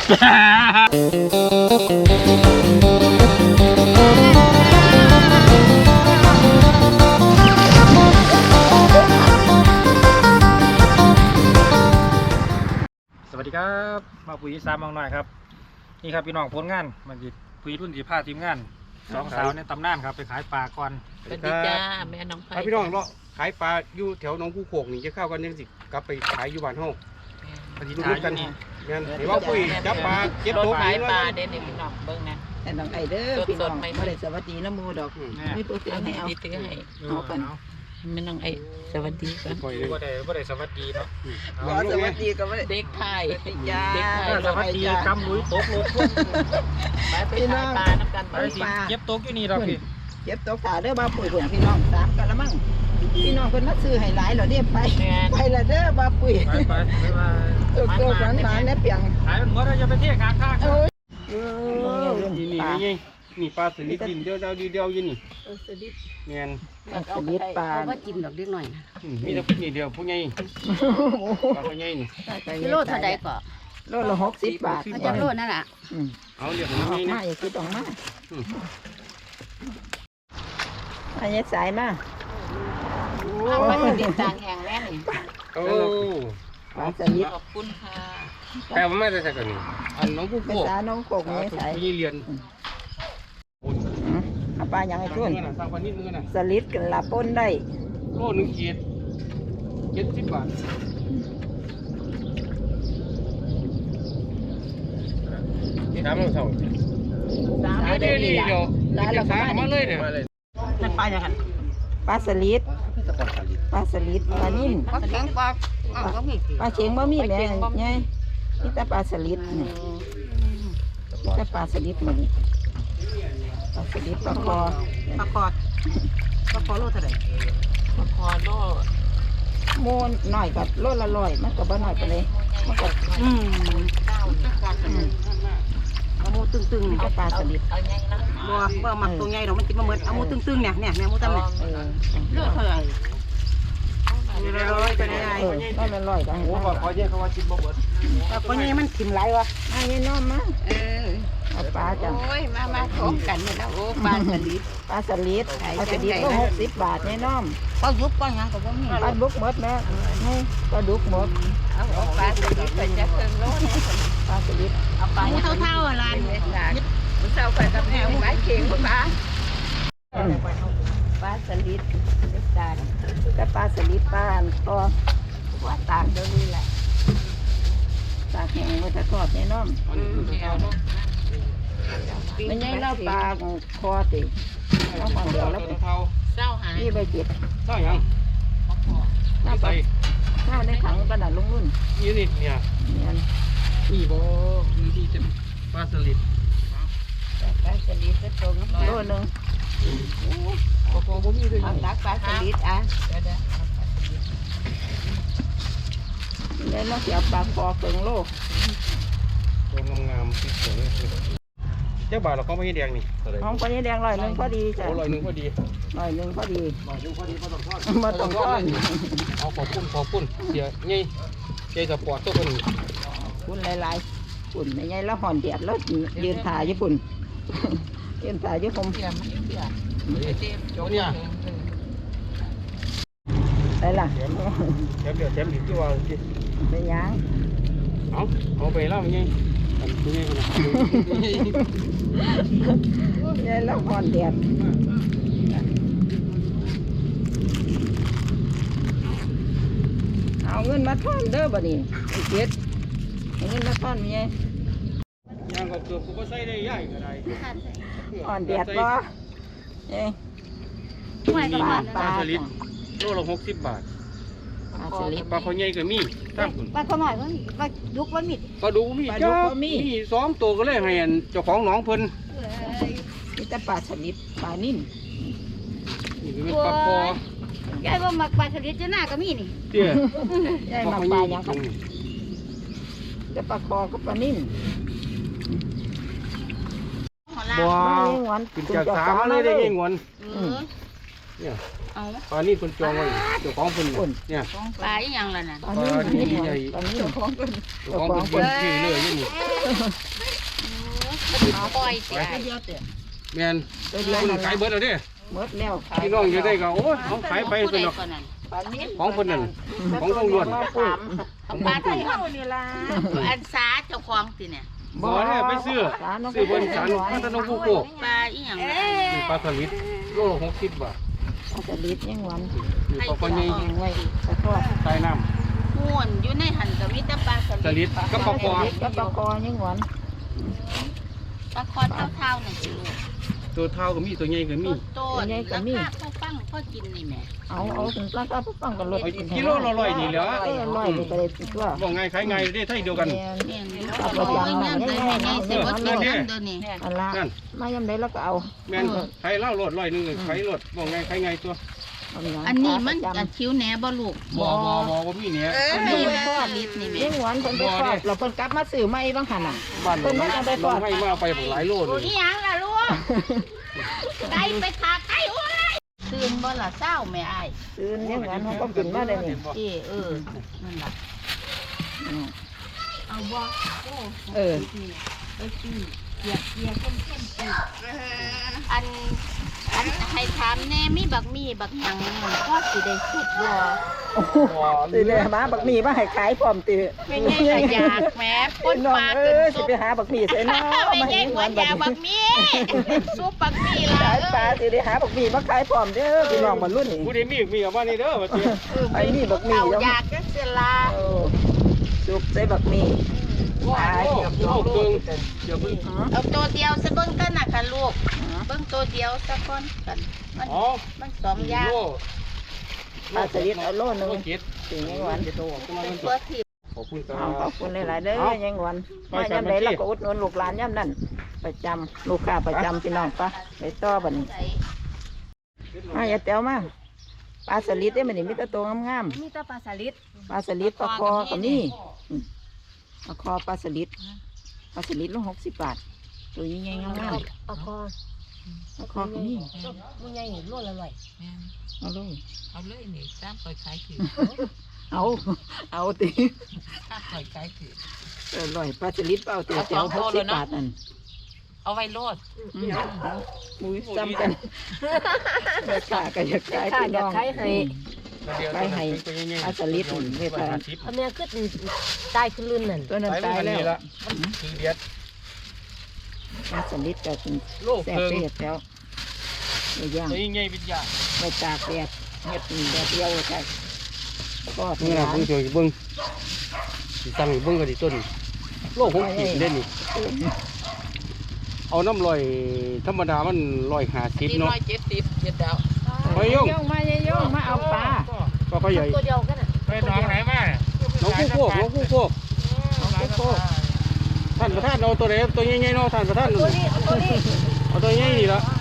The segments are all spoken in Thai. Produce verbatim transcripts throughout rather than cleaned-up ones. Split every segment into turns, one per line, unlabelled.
สวัสดีครับมาปุ๋ยสามมองหน่อยครับนี่ครับพี่น้องผลงานมันจิปุ๋ยรุ่นสีผ้าทีมงานสองสาวในตำนานครับไปขายปลาก่อน
สวัสดีจ้าแม่น้องไผ่
พี่น้องเราขายปลาอยู่แถวหนองคู่โขกนี่จะเข้ากันยังสิกลับไปขายอยู่บ้านห้องปฏิรูปกันเห็นว่าปุ๋ยจับปลาเก็บตัว
ขายปลาเด่นพี่น้องเบิ้งนะ
แต่น้องไอเด้อพี่น้องไม่ได้สวัสดีน้ำมูดอกไม่ตัวเสียให้เอา
ตื้อให้
เอากัน
แม่น้องไอสวัสดีกัน
บ่ได้บ่ได้สวัสดีเนาะ
สวัสดีก็ไม่ได้
เด็กไทย
จ้า
เด็กไทย
สวัสดีกำลุยตกรถพุ่น
ไปไปขายปลาน้ำกันไป
เก็บตกอยู่นี่เราพี่
เก็บตัวขาเด้อมาปุ๋ยผงพี่น้องสามกันละมั่งพี่น้องเพิ่นมาซื้อให้หลายเหรอเด้ไปไปละเด้อมาปุ๋ย
ไปไปไปมา
ตัวตัวหวานหวานเนี่ยเปียง
ขายมันหมดแล้วจะไปเที่ยวข้างข้าง
โอ้ย
นี่นี่นี่นี่ปลาสลิดดินเดียวเดียวเดียวอยู่นี่สลิดเงี้ย
สลิดปลา
ว่ากินดอกเล็กหน่อยนะ
มีแต่นี่เดียวผู้ใหญ่ปลาผู้ใหญ่นี่
กิโลเท่าใดก็
โลละหกสิบบาท
มันจะโลนั่นแหละ
เอาเรียก
ออกมาอย่าคิดออกมาอันนี้สายมา
ปลาสลิดต่างแห่งแม่นี่
โอ้
ปลาสลิด
ขอบคุณค่ะ
แปลว่าไม่ได้ใส่กันนี่อันน้องผู้โขก
ภาษาน้องโขกนี่สาย
พี่เรียน
เอาปลาอย่างไอ้ทุ่น
สร้างปลานิดนึงนะ
สลิดกันละป้นได้
โลหนึ่งขีดเจ็ดสิบบาทนี่ครับเราส่งเดี๋ยวนี้เดี๋ยวจะสามาเลยเนี่ย
นั่นปลาอย่างไร
ปลาสลิดปลาสลิดปลานิ่ม
ปลาเข็งปลาอ้าวก็มี
ปลาเข็งบ่มีแม่ไงนี่แต่ปลาสลิดนี่แต่ปลาสลิดมันนี่ปลาสลิดปลาคอ
ปลาคอปลาคอโลเท่าไหร่ปลาคอโล
โมนหน่อยกับโลละร้อยมันก็บ่หน่อยไปเลยมันก็
อืมเอาหมูตึงๆนี่
เอาปลาสลิด
บัวบัวหมักตัวใหญ่เรามันกินมาเหมือนเอาหมูตึงๆเนี่ยเนี่ยเนี่ยหมูตั้มเนี่ยเลือดเท่าไหร่เลือดร้อยไปไหนไอ้
เออโลละร้อยก็ให้
โอ้ขอแยกเขาว่าชิมบ่หมด
ตัวใหญ่มันกินไรวะ
ไอ้น้อมมาเออเอาปลาจ้ะ
โอ้ยมามาท้องกันเนี่ยนะโอ้ปลาสลิด
ปลาสลิดปลาสลิดก็หกสิบบาทไงน้อม
ปลายุบปลาหยังก็บ่มี
ปลาดุกหมดแม่นี่ปลาดุกหมด
เอาปลาสลิดไปจะเพิ่มโลนี่
ปลาสลิด
เอาปลาเท่าๆอะไรมันเท่าไปกับแม่ไม้เข่งปลาปลาสลิดเล็กดาน
แต่ปลาสลิดปลาอันก็
ว่าตากเดี๋ยวนี้แหละ
ตากแห้งไว้ถ้าทอดแน่นอนมันยังเล่าปลาของคอติเอาของเดียวแล้ว
เท่า
เศร้าหาย
นี่ใบเจ็ด
เท่ายัง
น้าใส่ข้าวในถังกระดาษลุงรุ่น
ยี่สิบเนี่ย
เนี่ย
นี่บ่มีที่จะปลาสลิด
ปลาสลิดก็ตรง
โลนึง
ปลาคอบ่มีเลย
เอาตักปลาสลิดอ่ะ
แล้วเราเสียปลาคอเกิงโล
ตัวงามๆที่สวยเจ้าบ่าวเราก็ไม่ให้แดงนี่
ของปลานี้แดงร้อยหนึ่งพอดีจ้ะ
โอ้ร้อยหนึ่งพอดี
ร้อยหนึ่งพอดี
ร้อยหนึ่งพอดีพอต้องทอด
มาต้องก้อน
เอาขอบคุณขอบคุณเสียนี่ใจสปอร์ตตัวคน
คุณหลายๆฝุ่นไม่ใหญ่แล้วห่อนเดียดแล้วยืนถ่ายญี่ปุ่นยืนถ่ายญี่ปุ่น
เสียมันเสีย
เจ้าเนี่ย
ได้ล่ะ
แถมแถมเดี๋ยวแถมอีกที่ว่า
ไปย่าง
เอาเอาไปแล้วมันยังตัวนี้นะ
ใหญ่แล้วห่อนเดียดเอาเงินมาท่อนเด้อบ่นี่ไอ้เจ็ดเอาเงินมาท่อนมีไง
ย่างก็เกือบกูก็ใส่ได้ย่ายก็ได้
ห่อนเดียดบ่เอ้ย
ปลาปลาสลิดโลละหกสิบบาท
ปลาสลิด
ปลาเขาใหญ่ก็มีตั้ง
ปลาขน่อยมันปลาดุกมันมิด
ปลาดูมีจ้ามีสองตัวก็เลยให้เจ้าของหนองเพิ่น
นี่แต่ปลาสลิดปลานิ่ม
นี่เป็นปลาคอย
ายว่ามักปลาสลิดจะหน้าก็มีนี่
เตี้ย
ใหญ่มากปลาอย่างกันแต่ปลาคอก็ปลานิ่ม
บัวกินจากสามมาเลยได้ยังงวน
เออ
เนี่ย
เอา
ปลานี่คนจองไว้เจ้าของคนเนี่ย
ปลาอีหยังล่ะน่ะ
ตอนนี้นี่ตอนนี้เจ้าของเพิ่น
เจ้าของคนเพิ่นชื่อเลยนี่
ปล่อยเสียเดียวเตะ
แม่น
ตัวเดียว
คน
นั่น
ขายเบิดเอาเด้
หมดแล้ว
พี่น้องอยู่ได้ก็โอ้ยเขาขายไปเป็นดอก
ปลานี้
ของคนนั้นของต้องล้วน
ปลาไทยเฮานี่ล่ะอันสาเจ้าของติเนี่ย
บ่เนี่ยไปซื้อซื้อบนสันพัฒนงผู้โก
ปลาอีหยังล่ะ
นี่ปลาสลิดโลละหกสิบบาท
เอาสลิดยังหวัน
นี่ปลาปลาใหญ่
แห้งไว้ตะทอด
ใต้น้
ม่วนอยู่ในหันก็มีแต่ปลาส
ำส
ลิ
ลิ
ด
ดกับปลาคอ
กับปลาคอยังหวัน
ปลาคอเท่าๆน่ะสิลูก
ตัวเท่าก็มีตัวใหญ่ก็มี
โตๆราคาเท่าปังพอกินนี่แหม่
เอาเอาถึงราคาปุ๊บปังกันลด
กิโลละร้อยนี่แหละ
เออร้อยนี่ก็ได้ติดว่า
บอกไงขายไงได้ไทยเดียวกัน
แม่น
แม่นอยู่โอ้ยนั่นได้แม่นี่สิบ่กินน้ำเด้อนี่
อันละ
นั่น
มายำได้แล้วก็เอา
แม่นขายเหล้ารถร้อยหนึงขายรถบอกไงขายไงตัว
เอาอย่าง
อันนี้มันอันคิ้วแหนบ่ลูก
บ่บ่บ่บ่มีเนี่ย
อันนี้มันสลิดนี่แหม่
ยังหวันเพิ่นไปทอดเราเพิ่นกลับมาซื้อใหม่บางหันน่ะ
บ้านเราให้มาไปหลายโล
โอ้
เลย
ยหยังล่ะลูกไก่ไปขาไก่โอ้ยตื่นบ่ล่ะเศร้าแม่อ้าย
ซื้อยังหวันเขาก็กินมาได้นี่
เออเออนั่นล่ะ
อืม
เอาบ่โอ้
เออ
ไปซื้อเกียกเกียกเข้มเข้มๆซื้ออันอันให้ถามแน่มีบักมีบักหยังพ่อสิได้สุดบ่
โอ้โหตีเลยมาบักหมี่มาให้ขายพร้อมตี
ไม่ใช่ขยากแหม่ปน
น้อง
ปลา
เอ้
ขึ้น
ยสิ
ซุป
ไปหาบักหมี่ใส่น้อ
ไม่
มา
ใช่
ให้
หั
ห
ว
วาน
ยา
บั
บั
ก
กมีซุปบักมีล่ะ
ขายปลาสิได้หาบักหมี่มาขายพร้อมเด้อพี่น้องบรรลุนี่
ผู้ใดมีมีเอามานี่เด้อว่าสิ
ไอ้นี่บักหมี่
เอา
แล้ว
อยากจังซี่ล่ะ
เออสุกใส่บักหมี่
ว้าวโลเกิงเดี๋ยวเพิ่ง
เอาตัวเดียวซะเบิ่งกันน่ะค่ะลูกเบิ่งตัวเดียวซะก่อนกันมัน
อ๋อ
มันสองอย่าง
โล
ปลาสลิดเอาโลนึง
โลเจ็ด
สิยังหวาน
โตขึ้นมา
เป็
เป็น น
ตัวที่
ขอบคุณครั
เอาขอ
บบ
คุณหลายๆเด้อยังหวาน
ไป
มา
กัน
ยำใด
มาที่
เราก็อุดหนุนลูกหลานยำนั่นประจำลูกค้าประจำพี่น้องปะไปต่อบัดนี้
ใส่
มาอย่าแต้วมาปลาสลิดได้มันนี่มีแต่ตัวงาม
มีแต่ปลาสลิด
ๆปลาสลิดปลาคอก็มีอืมปลาคอปลาสลิดปลาสลิดละหกสิบบาทตัวใหญ่ๆงาม
ปลาคอ
ๆปลาคอก็มี
มันใหญ่นี่โลละร้อย
เอาเลย
เอาเลยนี่ตามคอยขายถือ
เอาเอาติ
ตามคอยขายถือ
เออร่อยปลาสลิดเปล่าเตี๋ยว
เอา
เตี๋ยว
ส
ห
อง
ก
ตัว
สิบ
เลยนะ
บาทนั่น
เอาไว้โลด
อืมเอามุ้ยซ้ำกันแม่ค้าก็อยากขายพี่น้องอืม ไปให้ปลาสลิดนี่เรียกว่า
อันนี้คือตายขึ้นลื่นนั่น
ตัวนั้นตายแล้ว
คือเดียด
ปลาสลิดก็เป็น
โล
แซ่บ
เกิง
เสียแล้วไปย่าง
ตัวใหญ่เป็นยา
ไปตากแดดเฮ็ดแดดเดียวใช่ก็
นี่
ที่
นะ
ร้าน
เบิ่งช่วยเบิ่งสิตั้งเบิ่งก็ดิต้นโลหกขีดเด่นนี่เอาน้ำลอยธรรมดามันร้อยห้าสิบ
สี่
เนาะ
ร้อยเจ็ดสิบเจ็ดดาว
ไปยง
ย่องมาย่องมาเอาปลา
ปลาก็ใหญ่
ตัวเดียวกันน่ะ
ไปหนองไหนมา
น้องคู่โคกน้องคู่โคก
เอาไปโคก
ท่านประธานเอาตัวไหนตัวใหญ่ๆเนาะท่านประธาน
ตัวนี้เอาตัวนี้
เอาตัวใหญ่นี่ละ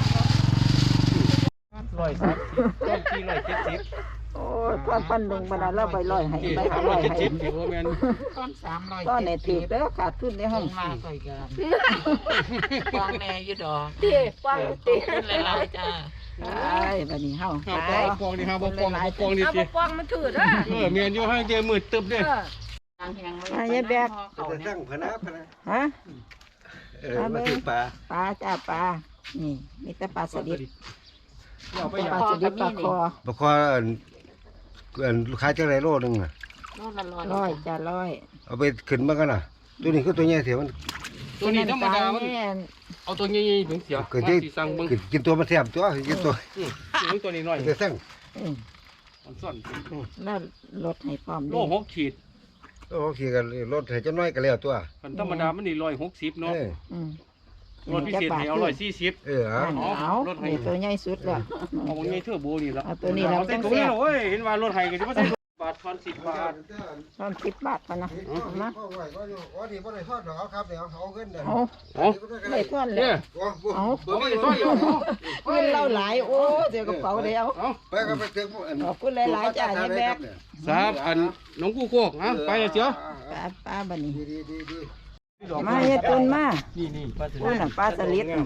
ร้อยสามสิบต้นที่ร้อยเจ็ดสิบ
โอ้ยพันพันหนึ่งบรรดาเราไปลอยให้
ที่
ไป
สาม
ล
ร้อ
อย ย
เจ็ด
ให้
สิบถือว่าแม่น
ต้นสามร้อย
ตอนไหนถือแล้วขาดทุนในห้อง
มาคอยกันกวางแน่อยี่ดอก
ตีกว้างตี
ขึ้นหลายๆจ้า
ไอ้บัดนี้เฮา
ห้า
ไป
ปองปองนี่ห้าปองปองห้าปองนี่
เอา
สิ
กว้างมันถือนะ
เออเมียนอยู่ให้เจมืดตึบเด้
มายายแบก
จะตั้งพนะพนะ
ฮะ
เออมาถึงป่า
ปลาจ้าปลานี่มีแต่ปลาสลิด
เอาไป
ป
อ
ลา
ย่าง
สลิดปลาคอ
บกคออันอันลูกค้าจังไรโลนึงน่ะ
โลละร้อย
ร้อยจ้าร้อย
เอาไปขึ้นมากันน่ะ ตัวนี้คือตัวใหญ่เสียมัน
ตัวนี้ธรรมดามัน
แม่น
เอาตัวใหญ่ๆถึงเสีย
เกิด
มา
ที่
สิสั่งเบิ่ง
กินกินตัวมันแซ่บตัวกินตัว
อืมถึงตัวนี้หน่อย
จะสั่ง
อืม
มันซ่อน
แล้วลดให้พร้อม
โล
ด้วย
หกขีด
โอเคกันรถให้เจ้าน้อยก็แล้วตัว
คันธรรมดามันนี่ร้อยหกสิบเนาะ
เออ
อืม
รถพิเศษให้เอาร้อยสี่สิบ
เออเอา
เอาเอา
รถให้
นี่ตัวใหญ่สุดแล้ว
เอาไงเทื่อโบนี่ละ
เอาตัวนี้แล้ว
เอาใส่ถุงนี่เหรอเว้ยเห็นว่ารถไห้ก็จะมาใส่บาทพันสิบบาท
ตอนสิบบาทพอนะเอามา
พ่อไหวก็อยู่อ๋อนี่บ่ได้ทอดดอกเอาครับเดี๋ยวเอาเงินเดี๋ยว
เอา
โอ้
ไม่ทอนเล
เนี่ย ย
เอา
บ่มีต้อยอยู่
เงินเราหลายโอ้เดี๋ยวกระเป๋าเดียว
เอา
ไปก็ไปถึง
ขอบคุณหลายๆจ้ะยายแบก
สามอันน้องกู้โคกอ่ะไปเลยเจียว
ปลาปลาบันนี้
ดีดีดีดี
มาเฮ็ดตุนมา
นี่นี่ปลาสลิ
อุ้ย
ด
น่ะปลาสลิดน่ะ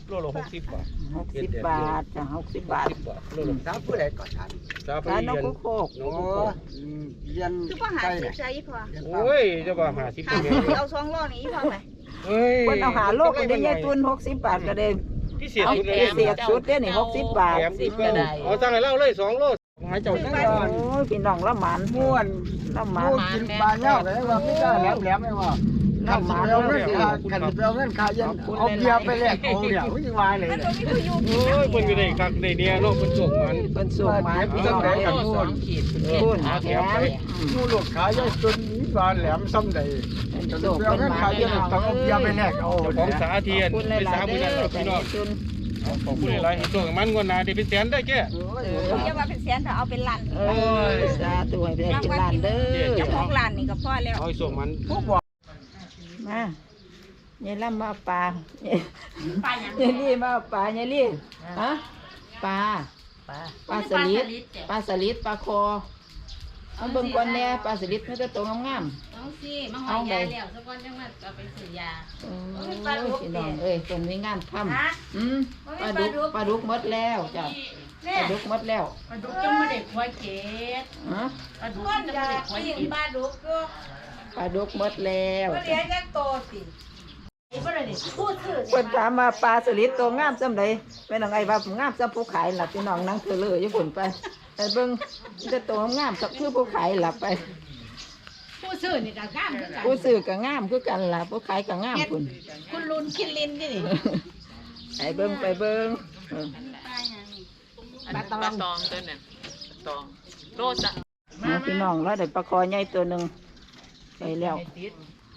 โลละหกสิบบาท
หกสิบบาทจ้ะหกสิบบาท
สิบบาทโลละ
สามผู้ใดก่อนทัน
สาม
ร้านน
เรี
ก
ยน
กุโคก
น้องกุโคก
เรียน
คือว่าหา
ใกล้
สิบ
เนี่ย
ใช่พอ
โอ้ยจะว่าหาสิบ
หา
เป็น
สิ
ไง
บเอาสองโลนี่พอไหม
เฮ้ย
เพิ่นเอาหาโลกก็ได้ยายตุนหกสิบบาทก็ได้
พิเศษ
เอา
สุด
เ
เลย
สียบสุดเด้อนี่หกสิบบาท
แถมอีกก็เอาสั่งให้เราเลยสองโลหายเจ้าจัง
โอ้ยพี่น้องละหมาน
ม่วน
ละหมาน
ม่วนกินปลาเน่าเลยว่าไม่ได้แหลมแหลมไม่ว่า
ละ
ขัน
ห
สิ
มาน
เปเอาเงินขาขันสิเปเอาเงินขายันเอาเบียร์ไปแลกเอาเดี๋ยวไม่ยังวายเลย
มันก็มีผู้อยู่
โอ้ยเพิ่นก็ได้คักได้เนี่ยเนาะเพิ่นส่งมัน
เพิ่นส่งมาพี่น้อง
ได้
เอ้ย
กัน
สองขีด
พูนแถม
มูหลุดขายันจนนี้บานแหลมซ้ำใด
เพิ่น
ขันสิ
ส่ง
เปเอา
เพิ่น
เงิน
มา
ขายั
พี่
น
น้อง
ต้องเอาเบียร์ไปแลกเอา
เจ้าของสาเทียน
คุณห
ไป
ลา
สาย
ๆ
มื้อ
เด้
นั้น
อ
ครับ
จ้ะ
พี่น้อง
ยายตุน
เอาขอบคุณหลายๆให้ส่งมันงวดหน้าได้เป็นแสนได้แก่
อย่าว่าเป็นแสนถ้าเอาเป็นล้าน
เอ้ยสาธุให้ได้กินล้านเด้อ
เจ้าของล้านนี่ก็พอแล้ว
เอาให้ส่งมัน
มายายล่ำมาเอาปลา
ปลาหยัง
ยายลี่มาเอาปลายายลี่ฮะปลา
ปลา
ปลาสลิดปลาสลิดปลาคอเอาเบิ่งก่อนแน่ปลาสลิดมันจะโตงาม
เอาสิมาหอยยาแล้วสักวันจังว่าเอาไปซื้อยา
ๆโอ้ยพี่น้องเอ้ยเป็นมีงานทำอืมปลาดุกปลาดุกหมดแล้วจ้ะปลาดุกหมดแล้ว
ปลาดุกจังไม่ได้ควายเกศ
ฮะ
ปลาดุกจังไม่ได้ควายเกศปลาดุกก็
ปลาดุกหมดแล้ว
เลี้ยงจังโตสิไอ้บ่ได้นี่พูดถือ
เพิ่นถามมาปลาสลิดโตงามซำใดแม่นางไอ้ว่างามซำผู้ขายล่ะพี่น้องนั่งเธอเลยอยู่พุ่นไปไปเบิ่งจะโตงามสักคือผู้ขายล่ะไป
ผู้ซื้อนี่ก็งามคือกัน
ผู้ซื้อก็งามคือกันล่ะผู้ขายก็งามพุ่น
คุณลุนคินลินนี่
ไปเบิ่งไปเบิ่งเออ
ปลาหยังนี่
อันนี้ปลาตองตัวนั้นตองโลจะ
มาพี่น้องแล้วได้ปลาคอใหญ่ตัวหนึงไปแล้ว
ติด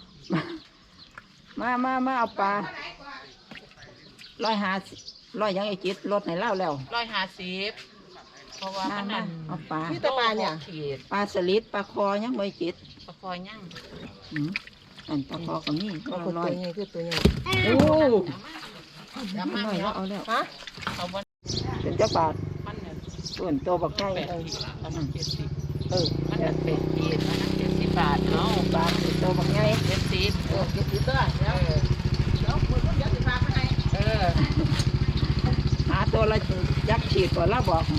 มามามาเอาปลาร้อยหาร้อยยังไอจิตลดให้เล่าแล้ว
ร้อยห้าสิบเพราะว่า
มา
มัน
มา
นั่น
เอาปลา
ที่ตะปลาเนี่ยขีด
ปลาสลิดปลาคอยังไม่จิต
ปลาคอยยั่ง
อืมอันปลาคอก็มีปลาคอน้อย
คือตัวใหญ่
โอ้
แล้ว
น้
มัน
อยแล้
แล้ว ว
เอาแล้ว
ฮะเอาบน
เป็นเจ้าบาท
มันเนี่ย
ส่วนตัวบักไก่
แปดขีดอันนั้นเจ็ดสิบ
เออ
มันนั่นแปดขีดอันนั้นเจ็ดสิบบาทเนาะ
ปลาเป็นตัวบักไก่
เจ็ดสิบเออเจ็ดสิบก็เดี๋ยวเดี๋ยวมือก็เดี๋ยวสิพาไปให้เออ
หาตัวละยักษ์ฉีดก่อนแล้วบอก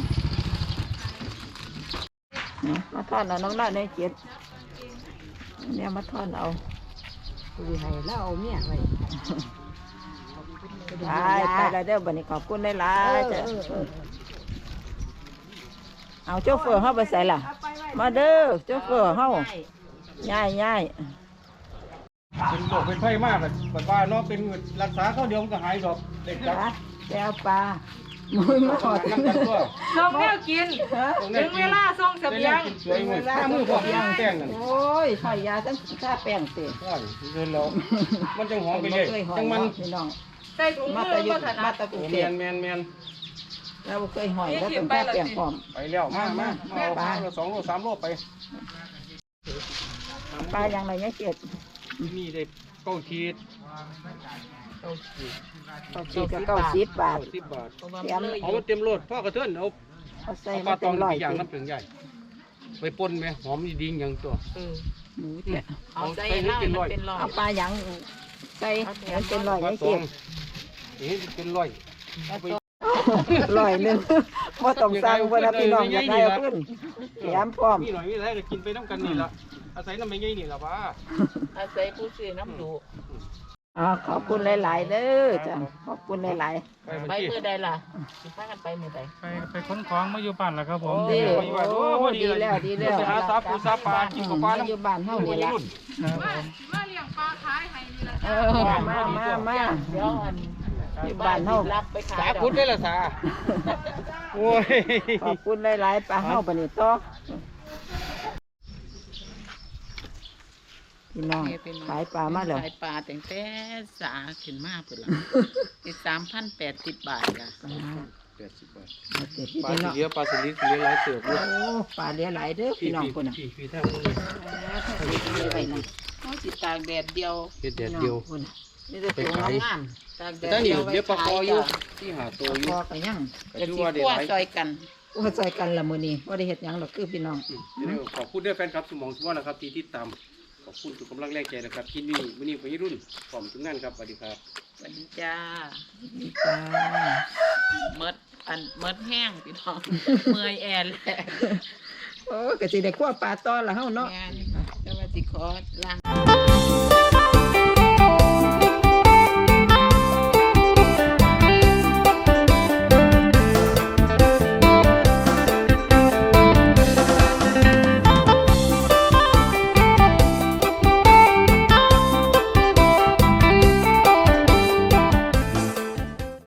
นะมาทอดเอาน้องน้อยในเจ็ดเนี่ยมาทอดเอา
คุยให้แล้วเอาเมียไว้
ไปไปแล้วเด้อบัดนี้ขอบคุณหลายๆจ้ะเอาโชเฟอร์เฮาไปใส่ล่ะ มาเด้อโชเฟอร์เฮาย่ายย่าย
เป็นโรคเป็นไข้มากแบบแบบว่าเนาะเป็นรักษาเขาเดียวมันก็หายดอกเด็กจับ
ปลาแก้วปลามึงมาขอ
น้ำกันตัว
ส่งแนวกิน ถึงเวลาส่งเสบียง
สวยงามมือพวกยางแป้งนั่น
โอ้ยหอยยาตั้งท่าแป้งเตะ
ใช่เดินแล้วมันจังหอมไปเลย
เคยหอย
จังมัน
พี่น้อง
ใส่ถุง
มา
มื
ตะ
อ
ยุ
มาถนั
มา
ด
ตะกุ
โอ้
เท
แม
ศ
นแมนแมน
เราเคยหอยแล้วต้องท่าแป้งพร้อม
ไปแล้วมามามาเอาปลาสองโลสามโลไป
ปลาอย่างไรเนี่ยเจ็ด
นี่ได้เก้าขีด
เขาฉีดก็เก้าสิบบาท
เก้าสิบบาท
เพราะว่า
แถ
มัน
ม
เลย
เอามาเต็มรถพ่อกระเทือนเอา
เขาใส่
เอาป
มา
ลาต
เต็
อง
มร้อย
อย่าง
สิ
น้ำเปลืองใหญ่ไปปนไหมหอมดีๆอย่างตัว
เออ
หมูเจ็ด
เอาใส่เหล้ามันเป็นร้อย
เอาปลาอย่างใส่ให้มันเป็นร้อย
ปลา
เนี่ย
ตอ
เจ็
ง
ด
นี่เป็นร้อยเอาไป
ร้อยหนึ่งว่าต้องสั่งเวลาพี่น้องอยากได้เอาขึ้นแถมพร้อม
มีหน่อยมีอะไรก็กินไปน้ำกันนี่ละอาศัยน้ำไม่ใหญ่นี่ละป้า
อาศัยผู้ซื้อน้ำดู
อ๋อขอบคุณหลาย ๆ เด้อจ้ะขอบคุณหลาย
ไป
ไป
บัญชี
มือใดล่ะสิพากันไปมือใด
ไปไปขนของมาอยู่บ้านแล้วครับผม
ๆดี
ไปอยู่บ้านโอ้พอดี
ดี
เลย
แล้วดีแล้ว
ไปหาซาปูซาปลากินกับปลา
มาอยู่บ้านเฮานี่ละ
รุ่น
ครับผม
มาเลี้ยงปลาขายให้นี่ละ
เออมามามา
เดี๋ยวอัน
อยู่บ้านเฮา
รับไปขาย
สาพุทธได้ละสาโอ้ย
ขอบคุณหลายๆปลาเฮาปะนี่ต่อพี่น้องขายปลามาแล้ว
ขายปลาแต่งแต่สาขึ้นมาพุ่นละอีกสามพันแปดสิบบาทจ้ะ
แปดสิบบาท
เอาเจ็ดพี่
ปลา
น้
สี
อง
เหลือปลาสลิดเหลือหลายเติบ
โอ้ปลาเหลือหลายเด้อพี่น้องคนน่ะ
พี่พี่แท้
มีไว้นะ
เขาสิตากแดดเดียว
เฮ็ดแดดเดียว
คนน่ะนี่จะ
ไป
ตัว
ขาย
งาม
ตากแด
แต่
ด
นี่
เดียวไว้
เดี๋ยวปลาคออยู่
ขายจ้ะ
ที่หาตัว
ๆ
อยู่
พอกันยัง
ก็
จะ
ถือ
สิ
ว่าได้
คั่ว
หลาย
ซอยกัน
ว่าใจกันละมื้อนี้บ่ได้เฮ็ดหยังหรอกคือพี่น้อง
ขอบคุณด้วยแฟนครับสมองสมองนะครับที่ติดตามขอบอบคุณทุกกำลังแรงใจนะครับที่นี่มื้อนี้วัยรุ่นพร้อมทุกงานครับสวัสดีครับ
สวัสดีจ้า
จ้า
เมดอันเมดแห้งพี่น้อง เมื่อยแอนแหละ
โอ้ก็สิได้คั่วปลาตอนละเฮาเนาะ
งานแต่ว่าสิขอล้าง